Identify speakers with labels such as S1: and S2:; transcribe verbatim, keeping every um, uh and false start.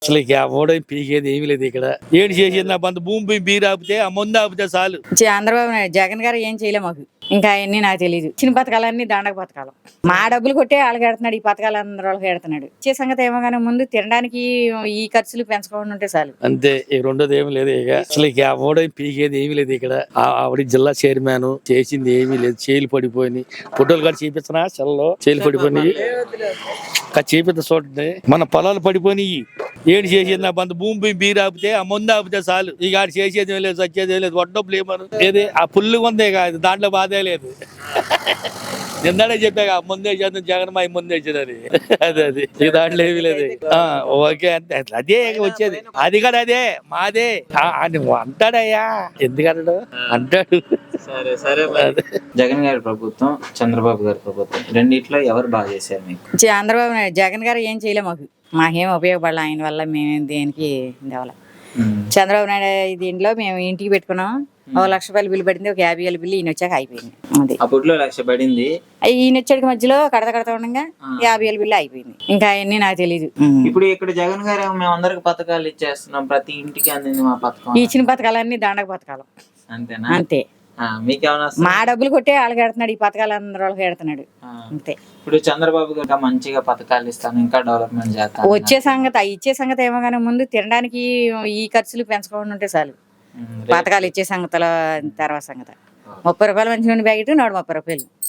S1: అసలు ఇక ఎవడో పీకేది ఏమీ లేదు ఇక్కడ. ఏడు చేసేది నా బంధు భూమి బీరు ఆపితే ఆ ముందు ఆపితే చాలు.
S2: చంద్రబాబు నాయుడు జగన్ గారు ఏం చేయలే మాకు. ఇంకా అవన్నీ నాకు తెలియదు. చిన్న పథకాలన్నీ దండక పథకాలు. మా డబ్బులు కొట్టే వాళ్ళకి ఎడుతున్నాడు, ఈ పథకాలు అందరూ వాళ్ళకి ఎడుతున్నాడు. ఇచ్చే సంగతి ఏమో కానీ ముందు తినడానికి ఈ ఖర్చులు పెంచుకోకుండా ఉంటే చాలు.
S1: అంతే, ఈ రెండోది ఏమి లేదు ఇక. అసలు ఇక ఎవడో పీకేది ఏమీ లేదు ఇక్కడ. ఆవిడ జిల్లా చైర్మన్ చేసింది ఏమీ లేదు. చేలు పడిపోయి ఫోటోలు కూడా చూపించనా సెల్లో చేలు పడిపోయి చేపిస్తా చూడండి. మన పొలాలు పడిపోయి ఏడు చేసేది నా బంధు భూమి బీరు ఆపితే ఆ ముందు ఆపితే చాలు. ఇక ఆడు చేసేది లేదు, సచ్చేది లేదు. వడ్డప్పులు ఏమను ఏది ఆ పుల్లు ఉందే కాదు, దాంట్లో బాధే లేదు. నిన్ననే చెప్పాక ముందే చేద్దాం జగన్ మా ముందే వచ్చేదని. అదే అది ఇక దాంట్లో ఏమీ లేదు. ఓకే అంతే, అదే వచ్చేది. అది కూడా అదే మాదే అంటాడయ్యా, ఎందుకంటాడు అంటాడు.
S3: సరే సరే. జగన్ గారి ప్రభుత్వం, చంద్రబాబు గారి ప్రభుత్వం రెండిట్లో ఎవరు బాగా చేశారు మీకు?
S2: చంద్రబాబు నాయుడు జగన్ గారు ఏం చేయలే మాకు. మాకేం ఉపయోగపడాలి ఆయన వల్ల. మేము దేనికి దేవాల. చంద్రబాబు నాయుడు దీంట్లో మేము ఇంటికి పెట్టుకున్నాం. ఒక లక్ష రూపాయలు బిల్లు పడింది, ఒక యాభై వేల బిల్లు ఈయన వచ్చాక అయిపోయింది. అది
S3: అప్పట్లో లక్ష పడింది,
S2: ఈయన వచ్చేటికి మధ్యలో కడత కడతా ఉండగా యాభై వేల బిల్లు అయిపోయింది. ఇంకా అవన్నీ నాకు తెలియదు.
S3: ఇప్పుడు ఇక్కడ జగన్ గారు మేము అందరికి పథకాలు ఇచ్చేస్తున్నాం, ప్రతి ఇంటికి అందింది మా పథకం.
S2: ఇచ్చిన పథకాలన్నీ దండక పథకాలు.
S3: అంతేనా?
S2: అంతే.
S3: మీకేమన్నా
S2: మా డబ్బులు కొట్టే వాళ్ళకి ఎడుతున్నాడు, ఈ పథకాలు అందరూ వాళ్ళకి ఎడుతున్నాడు. అంతే.
S3: ఇప్పుడు చంద్రబాబు గారు మంచిగా పథకాలు ఇస్తాను, ఇంకా డెవలప్మెంట్ చేస్తాను.
S2: వచ్చే సంగతి ఇచ్చే సంగతి ఏమో కానీ ముందు తినడానికి ఈ ఖర్చులు పెంచుకోకుండా ఉంటే చాలు. పథకాలు ఇచ్చే సంగతిలో తర్వాత సంగతి ముప్పై రూపాయలు మంచి నుండి బ్యాకెట్ నూట ముప్పై రూపాయలు.